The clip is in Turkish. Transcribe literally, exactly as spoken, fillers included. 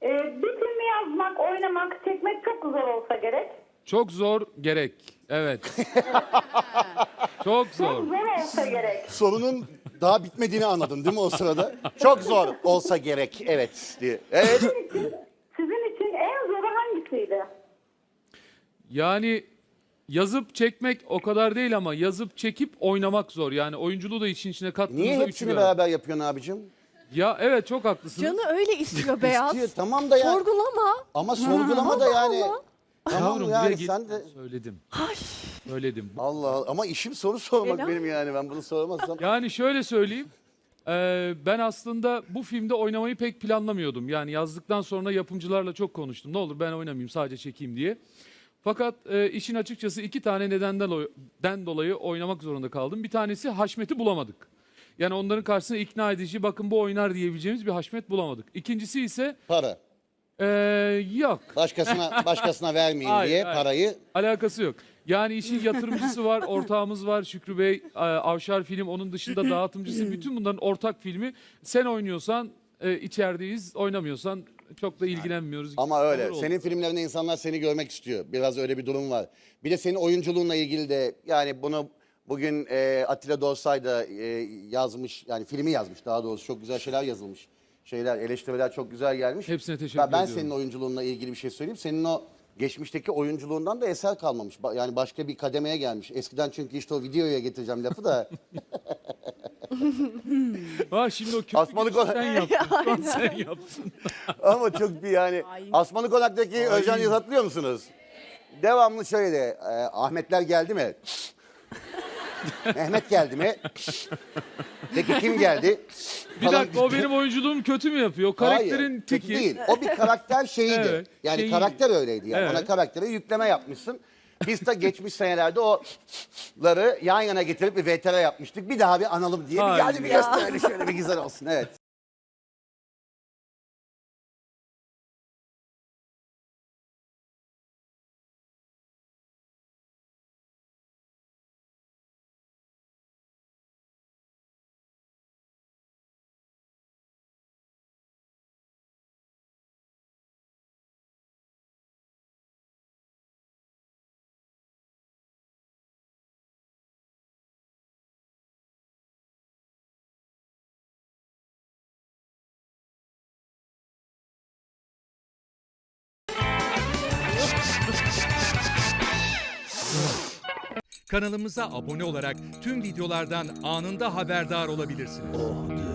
Ee, bir filmi yazmak, oynamak, çekmek çok zor olsa gerek. Çok zor gerek. Evet. Çok zor. Çok zor olsa gerek. Sorunun daha bitmediğini anladın değil mi o sırada? Çok zor olsa gerek. Evet diye. Evet. Sizin için, sizin için en zoru hangisiydi? Yani yazıp çekmek o kadar değil ama yazıp çekip oynamak zor. Yani oyunculuğu da için içine kattığınızda Niye üçü hepsini bir arada. beraber yapıyorsun abicim? Ya evet çok haklısınız. Canı öyle istiyor Beyaz. İstiyor, tamam da ya. Sorgulama. Ama sorgulama da Allah yani. Allah. Tamam Yavrum yani buraya gel- sen de. Söyledim. Ay. Söyledim. Allah Allah. Ama işim soru sormak Helal. benim yani. Ben bunu soramazsam. Yani şöyle söyleyeyim. Eee, ben aslında bu filmde oynamayı pek planlamıyordum. Yani yazdıktan sonra yapımcılarla çok konuştum. Ne olur ben oynamayayım sadece çekeyim diye. Fakat e, işin açıkçası iki tane nedenden o- den dolayı oynamak zorunda kaldım. Bir tanesi Haşmet'i bulamadık. Yani onların karşısına ikna edici bakın bu oynar diyebileceğimiz bir Haşmet bulamadık. İkincisi ise Para. e, yok. Başkasına başkasına vermeyeyim Hayır, diye hayır. parayı. Alakası yok. Yani işin yatırımcısı var, ortağımız var Şükrü Bey, e, Avşar Film, onun dışında dağıtımcısı. Bütün bunların ortak filmi. Sen oynuyorsan e, içerideyiz, oynamıyorsan çok da ilgilenmiyoruz. Ama öyle. Olur oldu. Senin filmlerinde insanlar seni görmek istiyor. Biraz öyle bir durum var. Bir de senin oyunculuğunla ilgili de yani bunu bugün e, Atilla Dorsay da e, yazmış. Yani filmi yazmış daha doğrusu. Çok güzel şeyler yazılmış. Şeyler, eleştiriler çok güzel gelmiş. Hepsine teşekkür ben, ben ediyorum. senin oyunculuğunla ilgili bir şey söyleyeyim. Senin o geçmişteki oyunculuğundan da eser kalmamış. Ba- Yani başka bir kademeye gelmiş. Eskiden çünkü işte o videoya getireceğim lafı da. Ha şimdi o kötü Asmalı girişi konu- sen yaptın. sen yaptın. Ama çok bir yani. Asmalı Konak'taki Özcan Yıldız hatırlıyor musunuz? Devamlı şöyle de e, Ahmetler geldi mi? Mehmet geldi mi? Peki kim geldi? Bir Falan- dakika o benim oyunculuğum kötü mü yapıyor? O karakterin Hayır, kötü teki. değil. O bir karakter şeyiydi. Evet, yani şeyi- karakter öyleydi yani. Evet. Ona karaktere yükleme yapmışsın. Biz de geçmiş senelerde o'ları yan yana getirip bir V T R yapmıştık. Bir daha bir analım diye. Bir, Hayır hadi bir ya. gösterelim şöyle bir güzel olsun. Evet. Kanalımıza abone olarak tüm videolardan anında haberdar olabilirsiniz.